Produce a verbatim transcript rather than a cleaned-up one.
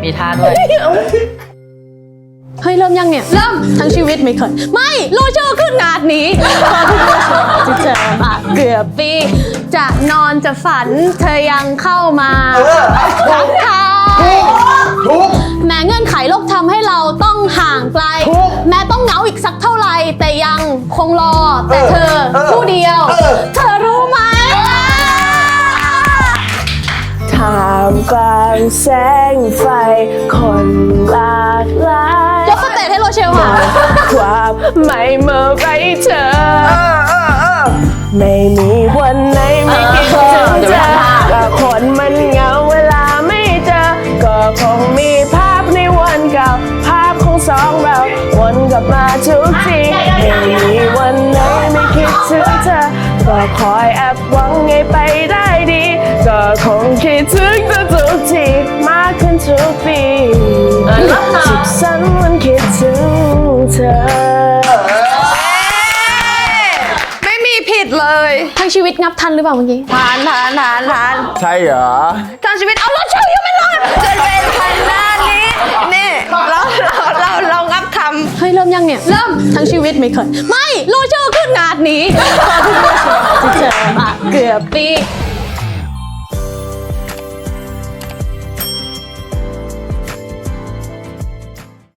มีท่าด้วยเฮ้ยเริ่มยังเนี่ยเริ่มทั้งชีวิตไม่เคยไม่รู้ชื่อขึ้นนาดนี้ตอนที่รู้ชื่อที่เจอมาเกือบปีจะนอนจะฝันเธอยังเข้ามาทักทายแม้เงื่อนไขโลกทำให้เราต้องห่างไกลแม้ต้องเหงาอีกสักเท่าไหร่แต่ยังคงรอแต่เธอผู้เดียวเธอรู้ไหมท่ามกลางแสงไฟคนหลากหลายยกสเตจให้โรเชลค่ะความไม่เมื่อไรเธอไม่มีวันไหนไม่คิดถึงเธอก็คนมันเหงาเวลาไม่เจอก็คงมีภาพในวันเก่าภาพของสองเราวนกลับมาทุกทีไม่มีวันไหนไม่คิดถึงเธอก็คอยแอบหวังให้ไปได้ดีก็คงคิดถึงเธอทุกทีมากขึ้นทุกปีสุขสันต์วันคิดถึงเธอไม่มีผิดเลยทั้งชีวิตงับทันหรือเปล่าเมื่อกี้ทันทันทันทันใช่เหรอทั้งชีวิตเอารถเชลยังไม่รอดจนเป็นพันนานี้นี่เราเราเราเรางับคำเฮ้ยเริ่มยังเนี่ยเริ่มทั้งชีวิตไม่เคยไม่รู้ชื่อขึ้นนาดนี้ตอนที่รู้ชื่อที่เจอมาเกือบปี